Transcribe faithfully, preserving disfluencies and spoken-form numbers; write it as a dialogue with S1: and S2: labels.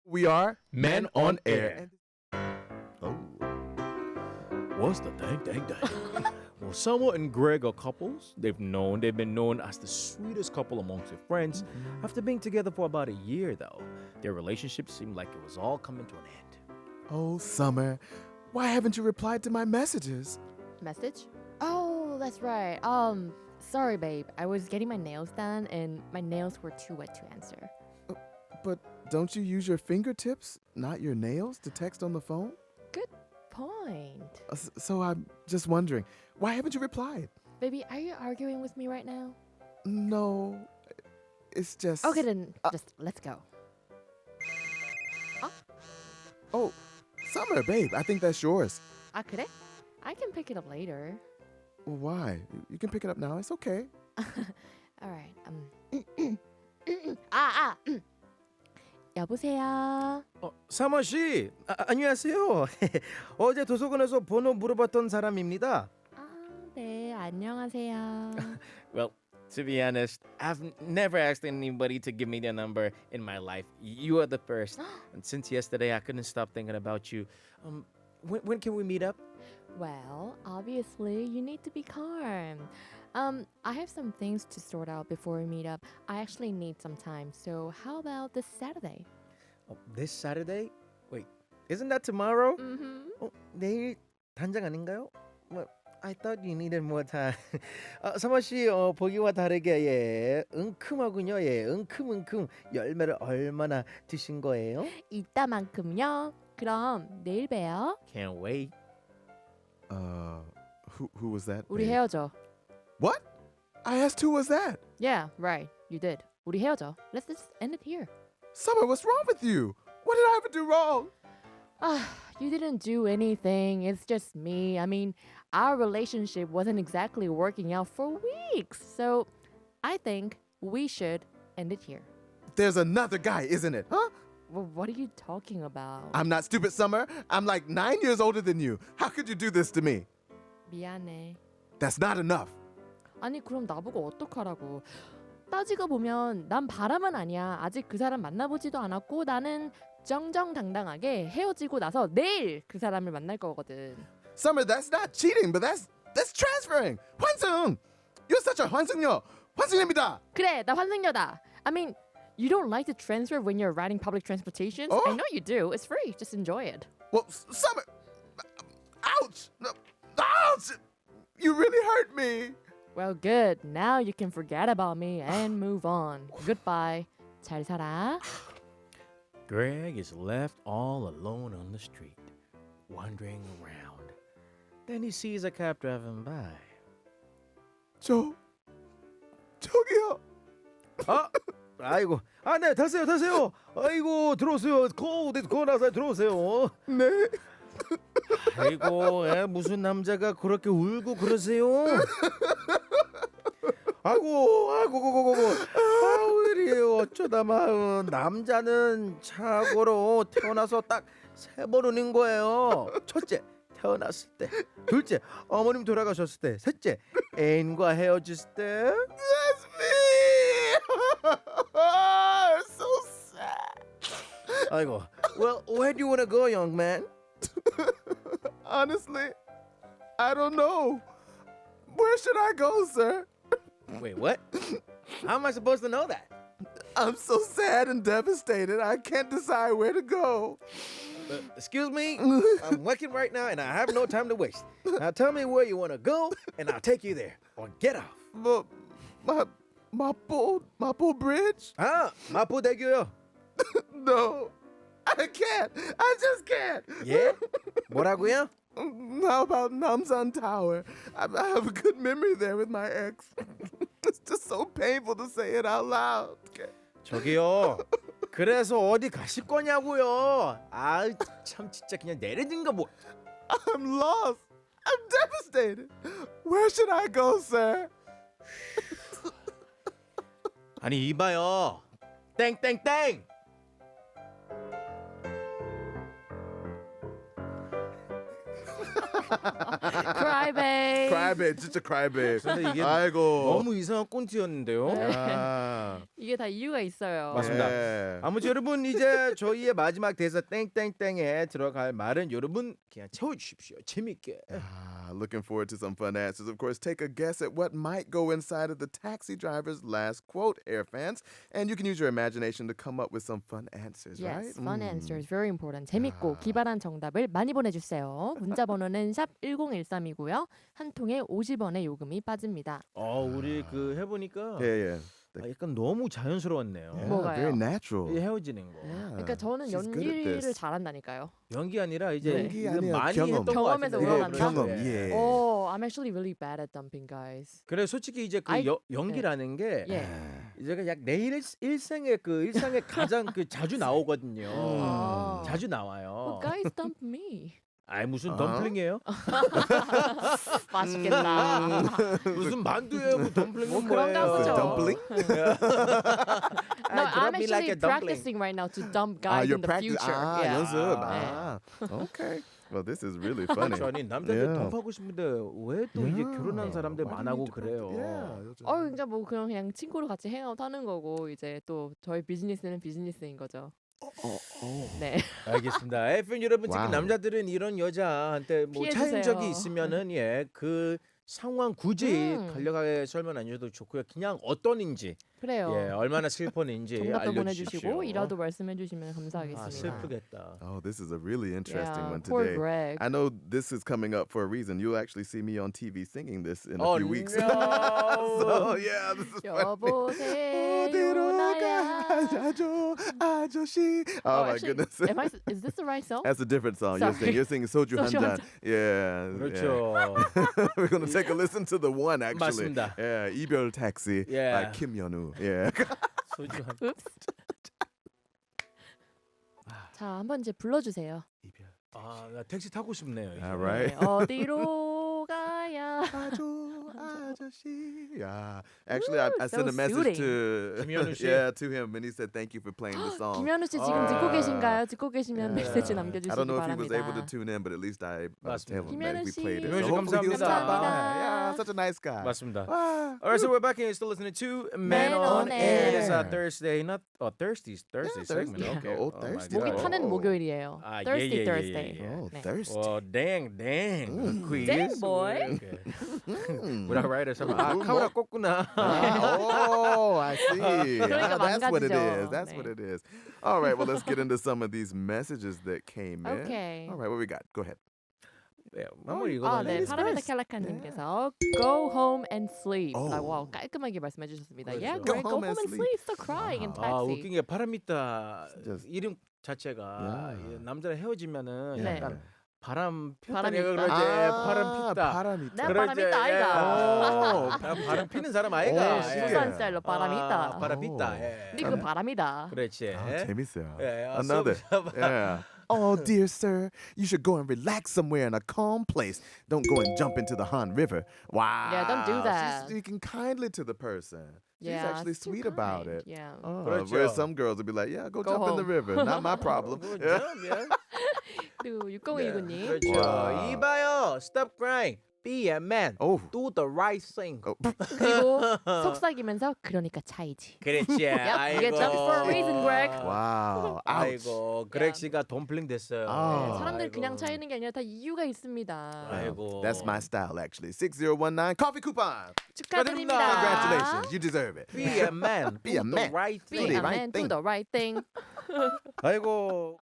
S1: We are
S2: Men on Air.
S1: Oh.
S2: What's the dang dang dang? Well, Selma and Greg are couples. They've known they've been known as the sweetest couple amongst their friends.
S1: Mm-hmm.
S2: After being together for about a year, though, their relationship seemed like it was all coming to an end.
S1: Oh, Summer, why haven't you replied to my messages?
S3: Message? Oh, that's right. Um, sorry, babe. I was getting my nails done and my nails were too wet to answer.
S1: But don't you use your fingertips, not your nails, to text on the phone?
S3: Good point.
S1: Uh, s- So I'm just wondering, why haven't you replied?
S3: Baby, are you arguing with me right now?
S1: No, it's just.
S3: Okay, then
S1: Uh,
S3: just let's go.
S1: Oh, Summer, babe, I think that's yours.
S3: 아, 그래? I can pick it up later.
S1: Well, why? You can pick it up now. It's okay.
S3: All right. Um. 아, 아. 여보세요.
S2: 어, 사마 씨, 아, 안녕하세요. 어제 도서관에서 번호 물어봤던 사람입니다.
S3: 아, 네. 안녕하세요.
S2: Well, to be honest, I've n- never asked anybody to give me their number in my life. You are the first. And since yesterday, I couldn't stop thinking about you. Um, when, when can we meet up?
S3: Well, obviously, you need to be calm. Um, I have some things to sort out before we meet up. I actually need some time. So, how about this Saturday?
S2: Oh, this Saturday? Wait, isn't that tomorrow?
S3: Mm-hmm.
S2: 어, 내일 단장 아닌가요? Well, I thought you needed more time. 아, 사마 씨, 어, 보기와 다르게 예, 은큼하군요. 예, 은큼은큼 열매를 얼마나 드신 거예요?
S3: 이따만큼요. 그럼 내일 봬요.
S2: Can't wait.
S1: Uh, who who was that?
S3: 우리
S1: babe?
S3: 헤어져.
S1: What? I asked who was that?
S3: Yeah, right. You did. 우리 헤어져. Let's just end it here.
S1: Summer, what's wrong with you? What did I ever do wrong?
S3: Ah, you didn't do anything. It's just me. I mean, our relationship wasn't exactly working out for weeks. So, I think we should end it here.
S1: There's another guy, isn't it? Huh?
S3: Well, what are you talking about?
S1: I'm not stupid, Summer. I'm like nine years older than you. How could you do this to me?
S3: 미안해.
S1: That's not enough.
S3: 아니 그럼 나보고 어떡하라고. 따지고 보면 난 바람은 아니야. 아직 그 사람 만나보지도 않았고 나는 정정당당하게 헤어지고 나서 내일 그 사람을 만날 거거든.
S1: Summer, that's not cheating, but that's that's transferring. 환승. You're such a 환승녀. 환승입니다.
S3: 그래, 나 환승녀다. I mean, you don't like to transfer when you're riding public transportation?
S1: 어?
S3: I know you do. It's free. Just enjoy it.
S1: Well, S- Summer. Ouch. No, ouch. You really hurt me.
S3: Well, good. Now you can forget about me and move on. Goodbye. 잘 살아.
S2: Greg is left all alone on the street, wandering around. Then he sees a cab driving by.
S1: 저 저기요.
S2: 아, 아이고, 아, 네, 타세요, 타세요. 아이고, 들어오세요. 거, 네, 거 나서 들어오세요.
S1: 네.
S2: 아이고, 에, 무슨 남자가 그렇게 울고 그러세요? 아이고, 아이고, 고고고고. 아우, 이리 어쩌다 마 남자는 착오로 태어나서 딱 세 번 우는 거예요. 첫째, 태어났을 때. 둘째, 어머님 돌아가셨을 때. 셋째, 애인과 헤어졌을 때.
S1: That's me. So sad.
S2: 아이고, well, where do you want to go, young man?
S1: Honestly, I don't know. Where should I go, sir?
S2: Wait, what? How am I supposed to know that?
S1: I'm so sad and devastated. I can't decide where to go.
S2: Uh, excuse me, I'm working right now and I have no time to waste. Now tell me where you want to go and I'll take you there. Or get off.
S1: My my Mapo Mapo Bridge?
S2: 아, 마포대교요.
S1: No, I can't. I just can't.
S2: 예? 뭐라고요?
S1: How about Namsan Tower? I, I have a good memory there with my ex. It's just so painful to say it out loud.
S2: 저기요. 그래서 어디 가실 거냐고요. 아, 참 진짜 그냥 내려진 거 뭐.
S1: I'm lost. I'm devastated. Where should I go, sir?
S2: 아니 이봐요. 땡땡땡.
S3: Crybabe.
S1: Crybabe, 진짜 crybabe.
S2: 근데 이게
S1: 아이고.
S2: 너무 이상한 꼰트였는데요.
S1: 야.
S3: 이게 다 이유가 있어요.
S2: 맞습니다.
S1: Yeah.
S2: 아무튼 여러분 이제 저희의 마지막 대사 땡땡땡에 들어갈 말은 여러분 그냥 채워주십시오. 재밌게.
S1: Ah, looking forward to some fun answers. Of course, take a guess at what might go inside of the taxi driver's last quote, Air fans. And you can use your imagination to come up with some fun answers, right?
S3: Yes, fun
S1: Mm.
S3: answers, very important. 재밌고
S1: 아.
S3: 기발한 정답을 많이 보내주세요. 문자 번호는 샵 일공일삼이고요. 한 통에 오십 원의 요금이 빠집니다.
S2: 어 우리 그 해보니까
S1: Yeah, yeah.
S2: 아, 약간 너무 자연스러웠네요.
S1: Yeah,
S3: 뭐가요?
S1: very natural.
S2: 이 헤어지는 거.
S1: Yeah,
S3: 그러니까 저는
S1: she's good at
S3: 연기를
S1: this.
S3: 잘한다니까요.
S2: 연기 아니라 이제
S3: 네.
S1: 연기
S2: 이거
S1: 아니라
S2: 많이
S1: 경험.
S2: 했던 것
S3: 경험에서
S2: 같은데.
S3: 우러난다?
S1: 경험,
S2: 네.
S1: yeah.
S3: Oh, I'm actually really bad at dumping, guys.
S2: 그래 솔직히 이제 그
S3: I-
S2: 여, 연기라는 게
S3: 예.
S2: 제가 약 내 일, 일생에 그 일상에 가장 그 자주 나오거든요.
S3: 아.
S2: 자주 나와요.
S3: Well, guys dump me.
S2: 아이 무슨
S1: 어?
S2: 덤플링이에요?
S3: 맛있겠다.
S2: 무슨 만두예요? 그 덤플링은
S3: 뭐 그런가
S2: 뭐예요?
S3: 보죠.
S1: Dumpling?
S3: No,
S2: 아,
S3: I'm
S2: drop me
S3: actually
S2: like a dumpling.
S3: practicing right now to dump
S1: Ah,
S3: guys
S1: you're
S3: in the
S1: practicing.
S3: future.
S1: Ah,
S3: yeah.
S1: 연습.
S3: 네.
S1: Ah, okay. Well, this is really funny.
S2: 그렇죠. 아니 남자들
S1: Yeah.
S2: 덤프하고 싶은데 왜 또 이제
S1: Yeah.
S2: 결혼한 사람들
S1: Why do you
S2: 만하고
S1: need to practice?
S2: 그래요.
S1: Yeah, 요즘.
S3: 어, 그러니까 뭐 그냥 그냥 친구로 같이 행아웃 하는 거고 이제 또 저희 비즈니스는 비즈니스인 거죠.
S1: 어, 어.
S3: 네.
S2: 알겠습니다. 에프엠 여러분 특히
S1: 와우.
S2: 남자들은 이런 여자한테 뭐 차인
S3: 피해주세요.
S2: 적이 있으면은 예 그 상황 굳이
S3: 음.
S2: 간략하게 설명 안 주셔도 좋고요. 그냥 어떤인지
S3: 그래요.
S2: 예 얼마나 슬펐는지
S3: 정답도
S2: 알려주십시오.
S3: 보내주시고 이라도 말씀해 주시면
S2: 아,
S3: 감사하겠습니다.
S2: 슬프겠다.
S1: Oh, this is a really interesting
S3: yeah,
S1: one
S3: poor
S1: today.
S3: Greg.
S1: I know this is coming up for a reason. You'll actually see me on T V singing this in a
S2: Oh,
S1: few weeks.
S2: no.
S1: So yeah, this is funny.
S3: 여보세요
S1: 어디로
S3: 나야.
S1: 가야죠, 아저씨. Oh,
S3: Oh,
S1: my
S3: actually,
S1: goodness.
S3: Am I, is this the right song?
S1: That's a different song. You're
S3: Sorry.
S1: singing. You're singing Soju
S3: 소주
S1: 한잔.
S3: 한
S1: Yeah.
S2: 그렇죠.
S1: yeah. We're gonna take a listen to the one actually.
S2: 맞습니다.
S1: Yeah, 이별 택시
S2: Yeah.
S1: by Kim Yeonu. Yeah.
S2: 소주 한
S3: Oops. 자, 한번 이제 불러주세요.
S1: 이별.
S2: 아, 나 택시 타고 싶네요. 이제.
S1: All right.
S3: 네, 어디로 가야?
S1: 가죠, 아저씨. Yeah. Actually, I, I
S3: so
S1: sent a message
S3: soothing.
S1: to
S2: 김현우 씨.
S1: yeah to him, and he said thank you for playing the song.
S3: 김현우 씨 지금
S2: 아.
S3: 듣고 계신가요? 듣고 계시면
S1: Yeah.
S3: 메시지
S1: I
S3: 남겨주시기
S1: don't know if he was
S3: 바랍니다.
S1: able to tune in, but at least I uh,
S2: 맞습니다.
S1: tell him that
S3: 김현우
S1: we
S3: 씨.
S1: played it.
S2: 김현우 씨
S1: So hopefully he'll stop by.
S3: 감사합니다.
S1: Yeah, such a nice guy.
S2: 맞습니다.
S1: Wow.
S2: Alright, so we're back and you're still listening to
S3: Man
S2: Man on
S3: on
S2: Air. It's a
S1: Air.
S2: Thursday, not oh Thursday, Thursday
S1: Yeah,
S2: segment.
S1: Thursday.
S2: Okay.
S1: Oh,
S2: my
S1: Thursday.
S2: God.
S3: 목이 타는
S1: Oh.
S3: 목요일이에요.
S2: 아, 예,
S3: Thursday,
S2: 예, 예,
S3: Thursday.
S2: 예, 예.
S1: Oh,
S3: 네.
S1: thirsty.
S2: Well, dang, dang.
S1: Mm.
S2: Quiz.
S3: Dang, boy.
S2: Okay.
S1: Mm.
S2: Would I write it? 아,
S1: 음,
S2: 카메라
S1: 뭐.
S2: 껐구나.
S1: Ah, oh, I see.
S3: 그러니까
S1: Ah, that's what it
S3: 망가지죠.
S1: is. That's
S3: 네.
S1: what it is. All right, well, let's get into some of these messages that came in.
S3: Okay.
S1: All right, what we got? Go ahead.
S2: 네, 한번
S3: 아,
S2: 읽어봐요.
S3: 네.
S1: ladies
S3: 파라메타
S1: first.
S3: 캘라카님께서 go home and sleep.
S1: Oh.
S3: 라고 와우, 깔끔하게 말씀해 주셨습니다.
S2: 그렇죠.
S3: Yeah,
S2: Go
S3: Greg, go home and sleep. Stop crying in
S2: 아,
S3: taxi.
S2: 웃긴 게 파라미타
S1: Just-
S2: 이름 자체가
S1: Yeah.
S2: 이 남자랑 헤어지면은
S3: 네.
S2: 약간 바람
S3: 바람이
S2: 폈다니까
S3: 있다.
S2: 그러지. 바람 폈다.
S1: 바람이
S3: 네,
S1: 있다.
S3: 바람
S2: 그러지.
S3: 있다, 아이가.
S2: 예. 아, 바람 피는 사람 아이가.
S1: 오,
S2: 예.
S1: 신기해.
S3: 부산 스타일로 바람이
S2: 아,
S3: 있다.
S2: 바람
S1: 오.
S2: pis다. 예.
S3: 근데 그 바람이다.
S2: 그렇지.
S1: 아, 재밌어요.
S2: 예, 아,
S1: Another.
S2: 서-
S1: Yeah. Oh, dear sir, you should go and relax somewhere in a calm place. Don't go and jump into the Han River. Wow.
S3: Yeah, don't do that.
S1: She's speaking kindly to the person. She's
S3: Yeah,
S1: actually
S3: it's too
S1: sweet about
S3: kind.
S1: it.
S3: Yeah.
S1: Oh,
S2: 그렇죠.
S1: whereas some girls would be like, yeah, go,
S3: Go
S1: jump in the
S3: home.
S1: river. Not my problem.
S2: 그
S1: Yeah.
S2: 점, 예.
S3: 그리고 육공일구님.
S2: 그렇죠.
S1: 와.
S2: 이봐요. Stop crying. Be a man.
S1: Oh.
S2: Do the right thing.
S1: Oh.
S3: 그리고 속삭이면서 그러니까 차이지.
S2: 그렇지.
S3: Yep, you get jumped for a reason, Greg.
S1: Wow. Ouch.
S2: 아이고, 그렉 씨가 덤플링 됐어요.
S1: 아.
S3: 사람들
S2: 아이고.
S3: 그냥 차이는 게 아니라 다 이유가 있습니다.
S2: 아이고.
S1: That's my style, actually. six zero one nine coffee coupon.
S3: 축하드립니다.
S1: Congratulations. You deserve it.
S2: Be a man.
S1: Be a
S2: Do
S1: man.
S2: the right
S3: Be
S1: Do
S2: thing.
S1: the
S3: a
S1: right
S3: man, do
S1: thing.
S3: the right thing.
S2: 아이고.